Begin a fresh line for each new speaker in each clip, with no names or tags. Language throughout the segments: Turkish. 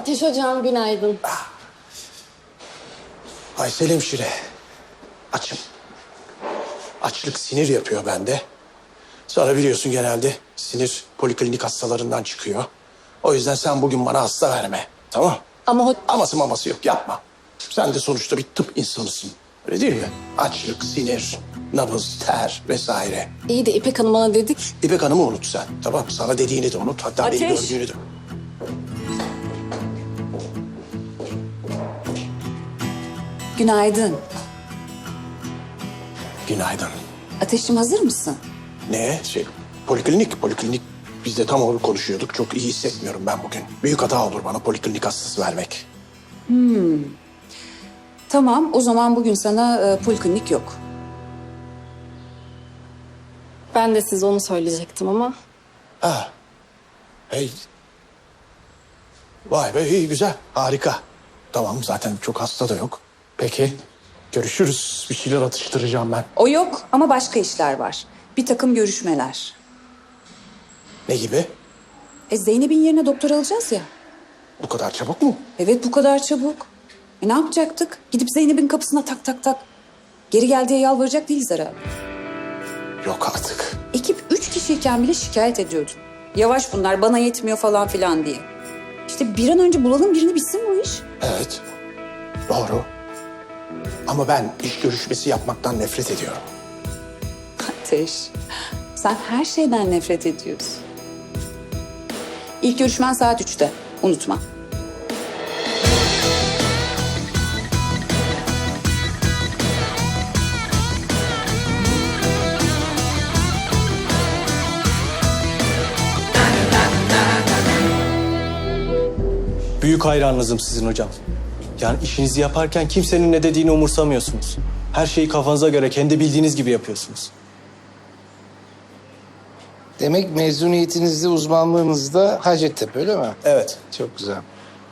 Ateş hocam günaydın.
Aysel hemşire, açım. Açlık sinir yapıyor bende. Sonra biliyorsun genelde sinir poliklinik hastalarından çıkıyor. O yüzden sen bugün bana hasta verme, tamam?
Ama
Aması maması yok, yapma. Sen de sonuçta bir tıp insanısın, öyle değil mi? Açlık, sinir, nabız, ter vesaire.
iyi de İpek Hanım bana dedik.
İpek Hanım'ı unut sen, tamam mı? Sana dediğini de unut, hatta beni
Ateş.
gördüğünü de.
Günaydın.
Günaydın.
Ateşim hazır mısın?
Ne? Poliklinik. Biz de tam onu konuşuyorduk. Çok iyi hissetmiyorum ben bugün. Büyük hata olur bana poliklinik hastası vermek.
Tamam, o zaman bugün sana poliklinik yok.
Ben de size onu söyleyecektim ama.
Ha. Hey. Vay be, iyi, güzel, harika. Tamam, zaten çok hasta da yok. Peki, görüşürüz. Bir şeyler atıştıracağım ben.
O yok ama başka işler var. Bir takım görüşmeler.
Ne gibi?
Zeynep'in yerine doktor alacağız ya.
Bu kadar çabuk mu?
Evet, bu kadar çabuk. Ne yapacaktık? Gidip Zeynep'in kapısına tak tak tak. Geri gel diye yalvaracak değiliz herhalde.
Yok artık.
Ekip 3 kişiyken bile şikayet ediyordu. Yavaş bunlar, bana yetmiyor falan filan diye. İşte bir an önce bulalım birini, bitsin bu iş.
Evet, doğru. Ama ben iş görüşmesi yapmaktan nefret ediyorum.
Ateş, sen her şeyden nefret ediyorsun. İlk görüşmen saat 3'te, unutma.
Büyük hayranınızım sizin hocam. Yani işinizi yaparken kimsenin ne dediğini umursamıyorsunuz. Her şeyi kafanıza göre kendi bildiğiniz gibi yapıyorsunuz.
Demek mezuniyetinizde, uzmanlığınızda Hacettepe, öyle mi?
Evet.
Çok güzel.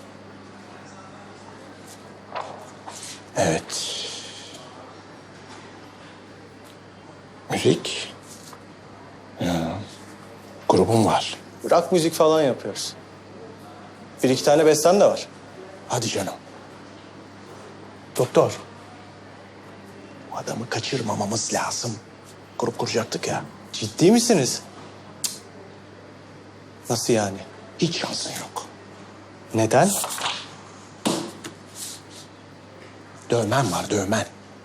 Evet. Müzik. Ya. Grubum var.
Rock müzik falan yapıyoruz. Bir iki tane bestem de var.
Hadi canım. Doktor. Bu adamı kaçırmamamız lazım. Grup kuracaktık ya.
Ciddi misiniz? Cık. Nasıl yani?
Hiç şansın yok.
Neden?
Dövmen var, dövmen.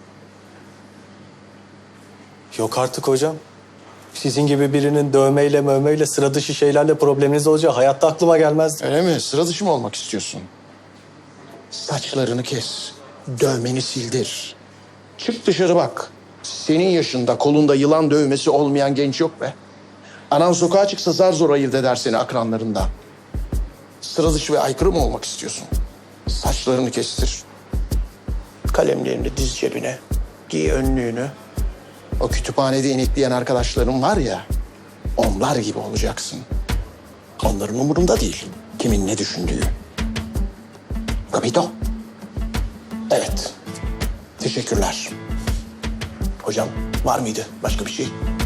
Yok artık hocam. Sizin gibi birinin dövmeyle mövmeyle sıra dışı şeylerle probleminiz olacağı hayatta aklıma gelmezdi.
Öyle mi? Sıra dışı mı olmak istiyorsun? Saçlarını kes. Dövmeni sildir. Çık dışarı bak. Senin yaşında kolunda yılan dövmesi olmayan genç yok be. Anan sokağa çıksa zar zor ayırt eder seni akranlarından. Sıra dışı ve aykırı mı olmak istiyorsun? Saçlarını kestir. Kalemlerini diz cebine. Giy önlüğünü. O kütüphanede inekleyen arkadaşların var ya, onlar gibi olacaksın. Onların umurunda değil. Kimin ne düşündüğü. Capito? Evet. Teşekkürler. Hocam var mıydı başka bir şey?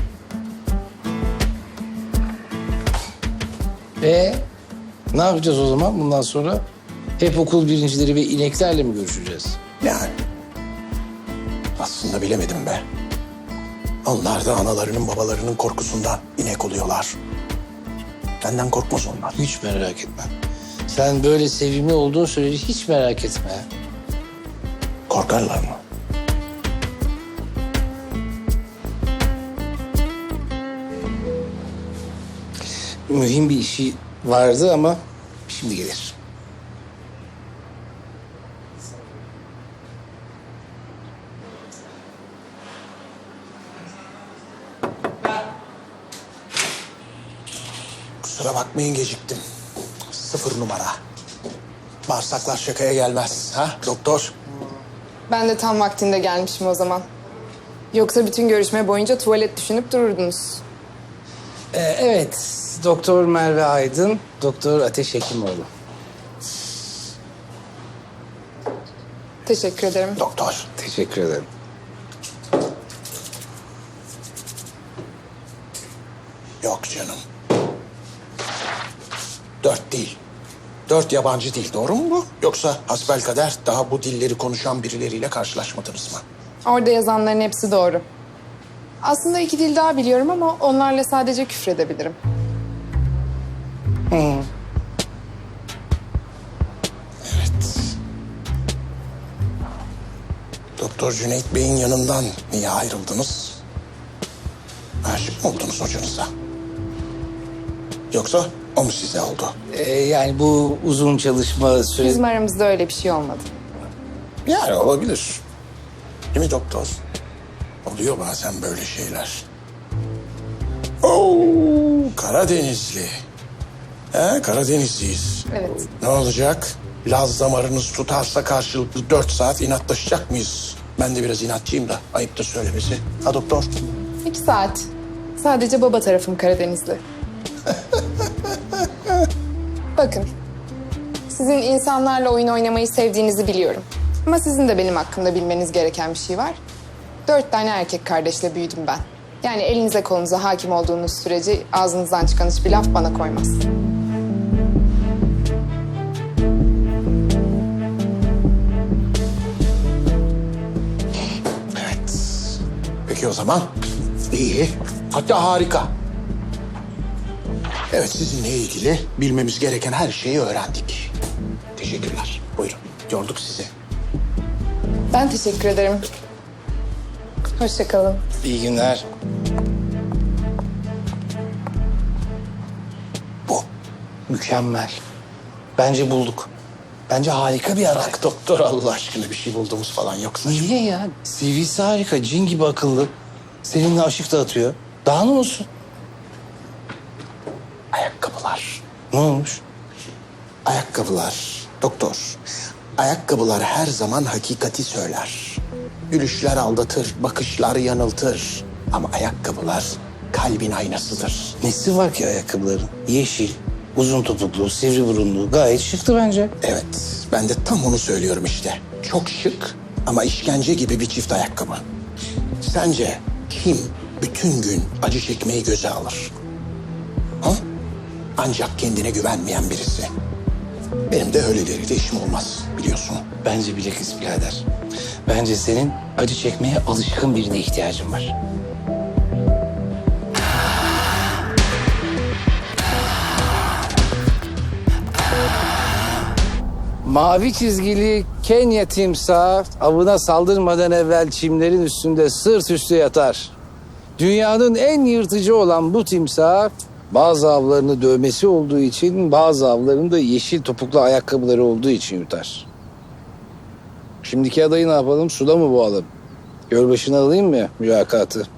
Ne yapacağız o zaman bundan sonra? Hep okul birincileri ve ineklerle mi görüşeceğiz?
Yani. Aslında bilemedim be. Onlar da analarının babalarının korkusundan inek oluyorlar. Benden korkmaz onlar.
Hiç merak etme. Sen böyle sevimli olduğun sürece hiç merak etme.
Korkarlar mı?
Mühim bir işi vardı ama şimdi gelir.
Kusura bakmayın geciktim. 0 numara. Bağırsaklar şakaya gelmez. Ha doktor?
Ben de tam vaktinde gelmişim o zaman. Yoksa bütün görüşme boyunca tuvalet düşünüp dururdunuz.
Evet, Doktor Merve Aydın, Doktor Ateş Hekimoğlu.
Teşekkür ederim.
Doktor.
Teşekkür ederim.
Yok canım. 4 değil. 4 yabancı dil, doğru mu bu? Yoksa hasbelkader daha bu dilleri konuşan birileriyle karşılaşmadınız mı?
Orada yazanların hepsi doğru. Aslında 2 dil daha biliyorum ama onlarla sadece küfredebilirim.
Evet. Doktor Cüneyt Bey'in yanından niye ayrıldınız? Aşık mı oldunuz hocanıza? Yoksa o mu size oldu?
Yani bu uzun çalışma süresi...
Bizim aramızda öyle bir şey olmadı.
Yani olabilir. Değil mi doktor? Oluyor bazen böyle şeyler. Oo, Karadenizli. Karadenizliyiz.
Evet.
Ne olacak? Laz damarınız tutarsa karşılıklı 4 saat inatlaşacak mıyız? Ben de biraz inatçıyım da ayıptır söylemesi. Ha doktor?
2 saat. Sadece baba tarafım Karadenizli. Bakın, sizin insanlarla oyun oynamayı sevdiğinizi biliyorum. Ama sizin de benim hakkımda bilmeniz gereken bir şey var. 4 tane erkek kardeşle büyüdüm ben. Yani elinize kolunuza hakim olduğunuz sürece ağzınızdan çıkan hiçbir laf bana koymaz.
Evet. Peki o zaman iyi. Hatta harika. Evet, sizinle ilgili bilmemiz gereken her şeyi öğrendik. Teşekkürler. Buyurun. Yorduk sizi.
Ben teşekkür ederim. Hoşça kalın.
İyi günler.
Bu.
Mükemmel. Bence bulduk. Bence harika bir ara.
Bak doktor, Allah aşkına bir şey bulduğumuz falan yoksa.
Niye ya? CV'si harika, cin gibi akıllı. Seninle aşık da atıyor. Daha ne olsun?
Ayakkabılar.
Ne olmuş?
Ayakkabılar. Doktor. Ayakkabılar her zaman hakikati söyler. Gülüşler aldatır, bakışlar yanıltır. Ama ayakkabılar kalbin aynasıdır.
Nesi var ki ayakkabıların? Yeşil, uzun topuklu, sivri burunlu. Gayet şıktı bence.
Evet, ben de tam onu söylüyorum işte. Çok şık ama işkence gibi bir çift ayakkabı. Sence kim bütün gün acı çekmeyi göze alır? Ha? Ancak kendine güvenmeyen birisi. Benim de öyleleriyle işim olmaz, biliyorsun.
Bence bilakis birader. Bence senin acı çekmeye alışkın birine ihtiyacın var. Mavi çizgili Kenya timsahı avına saldırmadan evvel çimlerin üstünde sırt üstü yatar. Dünyanın en yırtıcı olan bu timsah bazı avlarını dövmesi olduğu için bazı avlarını da yeşil topuklu ayakkabıları olduğu için yutar. Şimdiki adayı ne yapalım? Suda mı boğalım? Gölbaşına alayım mı mülakatı?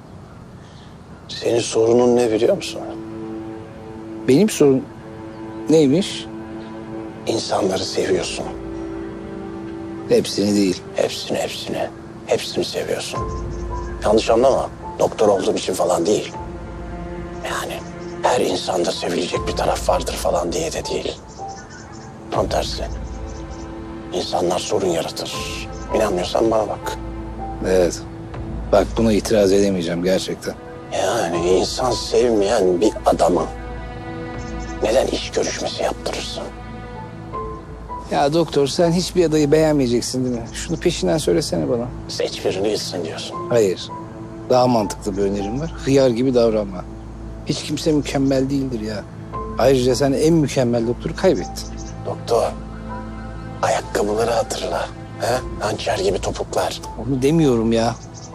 Senin sorunun ne biliyor musun?
Benim sorun neymiş?
İnsanları seviyorsun.
Hepsini değil.
Hepsini seviyorsun. Yanlış anlama. Doktor olduğum için falan değil. Yani her insanda sevilecek bir taraf vardır falan diye de değil. Tam tersi. İnsanlar sorun yaratır. İnanmıyorsan bana bak.
Evet. Bak buna itiraz edemeyeceğim gerçekten.
Yani insan sevmeyen bir adama neden iş görüşmesi yaptırırsın?
Ya doktor sen hiçbir adayı beğenmeyeceksin değil mi? Şunu peşinden söylesene bana.
Seç birini gitsin diyorsun.
Hayır. Daha mantıklı bir önerim var. Hıyar gibi davranma. Hiç kimse mükemmel değildir ya. Ayrıca sen en mükemmel doktoru kaybettin.
Doktor, ayakkabıları hatırla. He? Hançer gibi topuklar.
Onu demiyorum ya.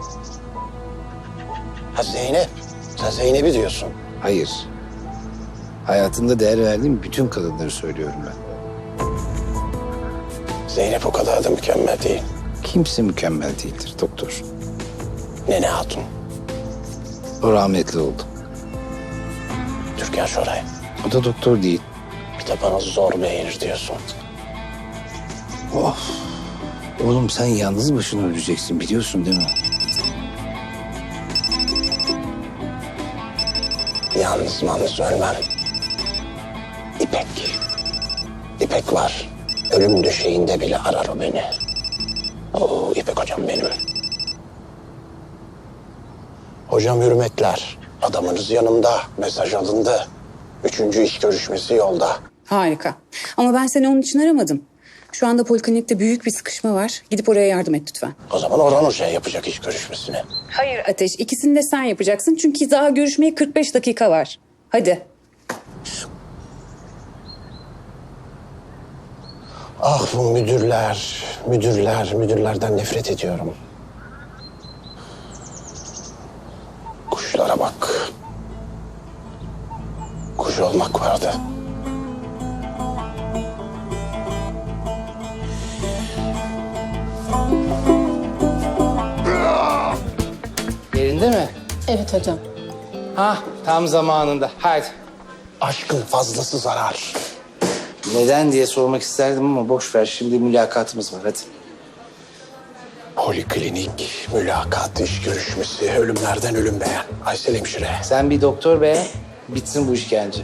Ha Zeynep, sen Zeynep'i diyorsun.
Hayır. Hayatında değer verdiğim bütün kadınları söylüyorum ben.
Zeynep o kadar da mükemmel değil.
Kimse mükemmel değildir doktor.
Nene Hatun,
O rahmetli oldu.
Türkan Şoray.
O da doktor değil.
Bir de bana zor beğenir diyorsun.
Oğlum sen yalnız başına öleceksin biliyorsun değil mi?
Yalnız ölmem. İpek. İpek var. Ölüm döşeğinde bile arar o beni. Oo, İpek hocam benim. Hocam hürmetler. Adamınız yanımda. Mesaj alındı. 3. iş görüşmesi yolda.
Harika. Ama ben seni onun için aramadım. Şu anda poliklinikte büyük bir sıkışma var. Gidip oraya yardım et lütfen.
O zaman Orhan Hoca'ya yapacak iş görüşmesini.
Hayır Ateş, ikisini de sen yapacaksın. Çünkü daha görüşmeye 45 dakika var. Hadi.
Ah bu müdürlerden nefret ediyorum. Kuşlara bak. Kuş olmak vardı.
Yerinde mi?
Evet hocam.
Hah, tam zamanında. Hadi.
Aşkın fazlası zarar.
Neden diye sormak isterdim ama boş ver. Şimdi mülakatımız var. Hadi.
Poliklinik, mülakat, iş görüşmesi, ölümlerden ölüm beğen. Aysel hemşire.
Sen bir doktor be. Bitsin bu işkence.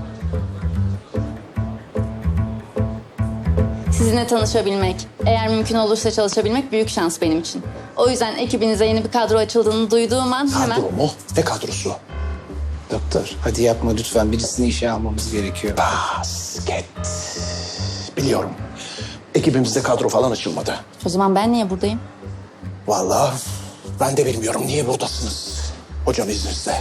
Sizinle tanışabilmek, eğer mümkün olursa çalışabilmek büyük şans benim için. O yüzden ekibinize yeni bir kadro açıldığını duyduğum an hemen...
Kadro mu? Ne kadrosu?
Doktor, hadi yapma lütfen. Birisini işe almamız gerekiyor.
Basket. Biliyorum. Ekibimizde kadro falan açılmadı.
O zaman ben niye buradayım?
Vallahi ben de bilmiyorum niye buradasınız. Hocam izninizle.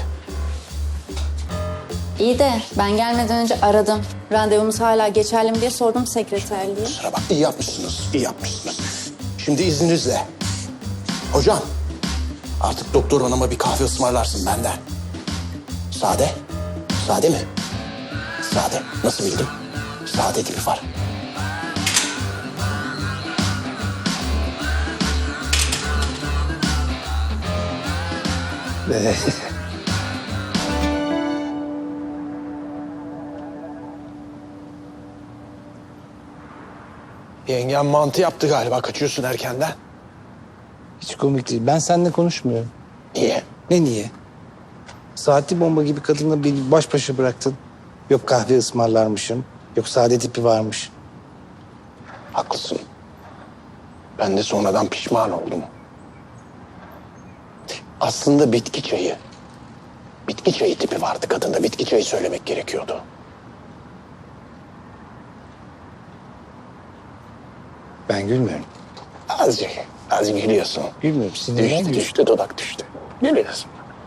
İyi de ben gelmeden önce aradım. Randevumuz hala geçerli mi diye sordum sekreterliğe.
Kusura bak, iyi yapmışsınız, iyi yapmışsınız. Şimdi izninizle. Hocam, artık doktor hanıma bir kahve ısmarlarsın benden. Sade? Sade mi? Sade. Nasıl bildim? Sade tipi var. Yengem mantı yaptı galiba. Kaçıyorsun erkenden.
Hiç komik değil. Ben seninle konuşmuyorum.
Niye?
Ne niye? Saatli bomba gibi kadınla beni baş başa bıraktın. Yok kahve ısmarlarmışım. Yok sade tipi varmış.
Haklısın. Ben de sonradan pişman oldum. Aslında bitki çayı. Bitki çayı tipi vardı kadında. Bitki çayı söylemek gerekiyordu.
Ben gülmüyorum.
Azıcık gülüyorsun.
Gülmüyorum. Sinirden gülüyorum.
Düştü, dudak düştü. Gülüyorsun.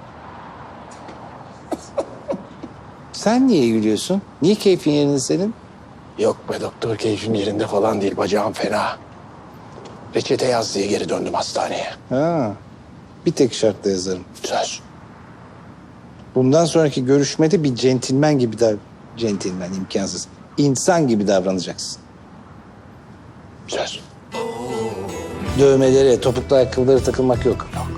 Sen niye gülüyorsun? Niye keyfin yerinde senin?
Yok be doktor, keyfim yerinde falan değil. Bacağım fena. Reçete yaz diye geri döndüm hastaneye.
Ha. Bir tek şartla yazarım.
Söz.
Bundan sonraki görüşmede bir centilmen gibi centilmen imkansız. İnsan gibi davranacaksın.
Söz.
Dövmelere, topuklu ayakkabılara takılmak yok.
Yok.